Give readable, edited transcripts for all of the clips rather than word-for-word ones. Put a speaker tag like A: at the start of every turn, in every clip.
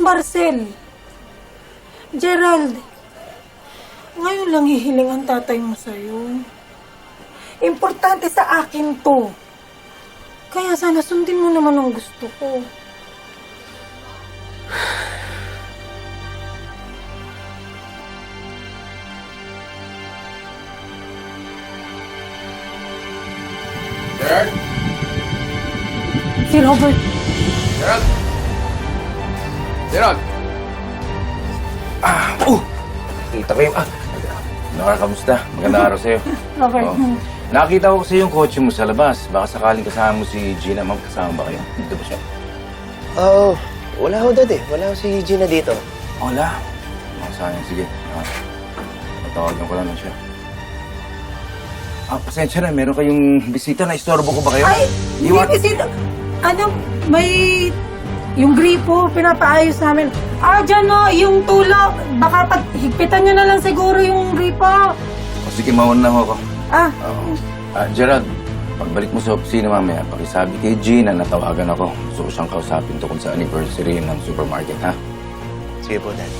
A: Marcel. Gerald, ngayon lang hihiling ang tatay mo sa'yo. Importante sa akin to. Kaya sana sundin mo naman ang gusto ko.
B: Gerald?
A: Si Robert.
B: Gerald? Gerald?
C: Kita ko yung... Kamusta? Magandang araw sa'yo.
A: Robert.
C: Oo. Nakita ko kasi yung kotse mo sa labas. Baka sakaling kasama mo si Gina. Ma'am, kasama ba kayo? Dito ba siya?
D: Wala ho, Dad eh. Wala ho si Gina dito.
C: Wala. Sayang. Sige. Patawagan ko lang siya. Pasensya na. Meron kayong bisita na istorbo ko ba kayo?
A: Ay, hindi bisita. Ano, may... Yung gripo, pinapaayos namin. Dyan no, yung tulak. Baka higpitan nyo na lang siguro yung gripo.
C: Sige, mauna na ako. Gerald, pagbalik mo sa opisina mamaya, pakisabi kay Gina na tawagan ako. Gusto ko siyang kausapin tungkol sa anniversary ng supermarket, ha?
D: Sige po, Dad.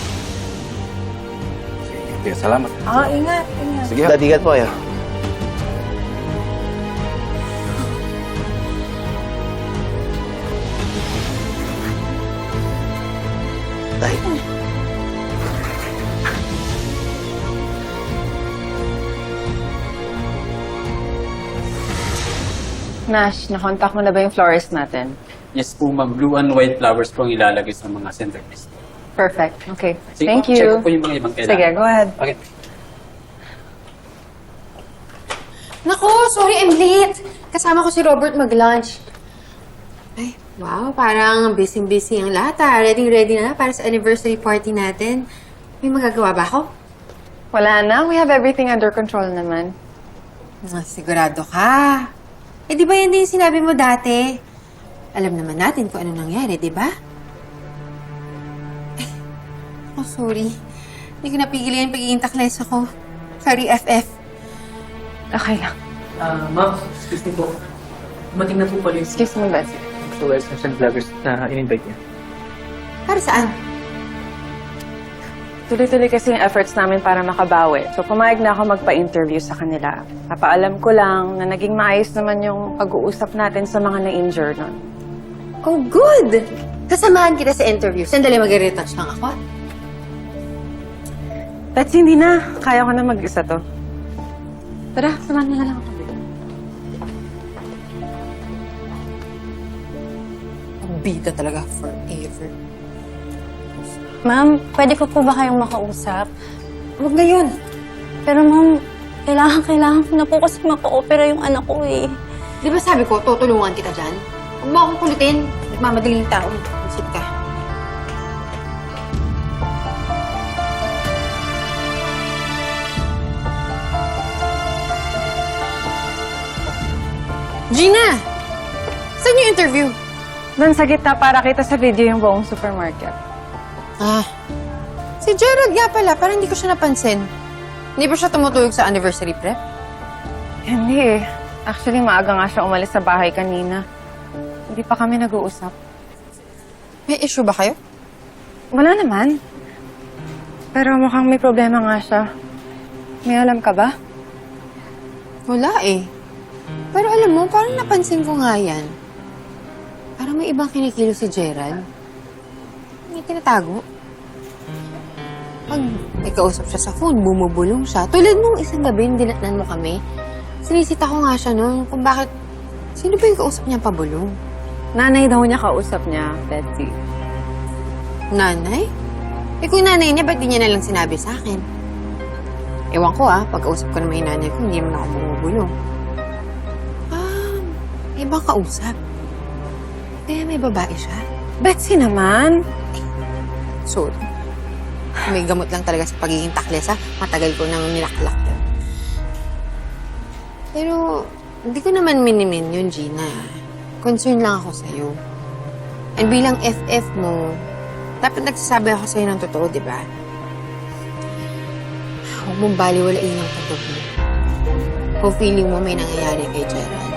C: Sige, salamat.
A: Ingat.
C: Sige.
D: Dad, ingat po kayo. Tay.
E: Nash, nakontak mo na ba yung florist natin?
F: Yes po, ma'am. Blue and white flowers po ang ilalagay sa mga centerpiece.
E: Perfect. Okay.
F: Sige,
E: Thank
F: check
E: you.
F: ko po yung mga ibang kailangan.
E: Sige, go ahead.
F: Okay.
G: Naku, sorry, I'm late. Kasama ko si Robert mag-lunch. Ay, wow, parang busy-busy ang lahat Ready na para sa anniversary party natin. May magagawa ba ako?
E: Wala na. We have everything under control naman.
G: Sigurado ka. Di ba yan din yung sinabi mo dati? Alam naman natin kung ano nangyari, di ba? Sorry. Hindi ko napigilan yung pagiging takles ako. Sorry, FF.
E: Okay lang.
H: Ma'am, excuse me po. Dumating na po pala yung
E: Excuse me, Betsy.
H: flowers ng vloggers na in-invite niya.
G: Para saan?
E: Tuloy-tuloy kasi yung efforts namin para makabawi. So, pumayag na ako magpa-interview sa kanila. Papaalam ko lang na naging maayos naman yung pag-uusap natin sa mga na-injure nun.
G: Oh, good! Kasamahan kita sa interview. Sandali, mag-retouch lang ako.
E: Betsy, hindi na. Kaya ko na mag-isa to. Tara, samahan na lang ako.
G: Ang bida talaga forever.
I: Ma'am, pwede ko po ba kayong makausap?
G: Huwag ngayon.
I: Pero ma'am, kailangan ko na po kasi maka-opera yung anak ko eh.
G: Di ba sabi ko, tutulungan kita dyan? Huwag mo akong kulitin. Nagmamadaling tao. Isip ka. Gina! Saan yung interview?
E: Doon sa gitna para kita sa video yung buong supermarket.
G: Si Gerald nga pala. Parang hindi ko siya napansin. Hindi ba siya tumutuyog sa anniversary prep?
E: Hindi eh. Actually, maaga nga siya umalis sa bahay kanina. Hindi pa kami nag-uusap.
G: May issue ba kayo?
E: Wala naman. Pero mukhang may problema nga siya. May alam ka ba?
G: Wala eh. Pero alam mo, parang napansin ko nga yan. Parang may ibang kinikilo si Gerald. May tinatago. Pag may kausap siya sa phone, bumubulong siya. Tulad nung isang gabi, dinatnan mo kami. Sinisita ko nga siya noon kung bakit... Sino ba yung kausap niya pabulong?
E: Nanay daw niya kausap niya, Betsy.
G: Nanay? Eh kung nanay niya, ba't di niya nalang sinabi sa akin? Ewan ko pagkausap ko naman yung nanay ko, hindi naman ako bumubulong. May ibang kausap. Kaya may babae siya.
E: Betsy naman.
G: Sorry. May gamot lang talaga sa pagiging takles, Matagal ko nang nilaklak yun. Pero, hindi ko naman minimin yun, Gina. Concern lang ako sa'yo. And bilang FF mo, dapat nagsasabi ako sa'yo ng totoo, di ba? Huwag mong baliwalain ang totoo. Kung feeling mo may nangyayari kay Gerald.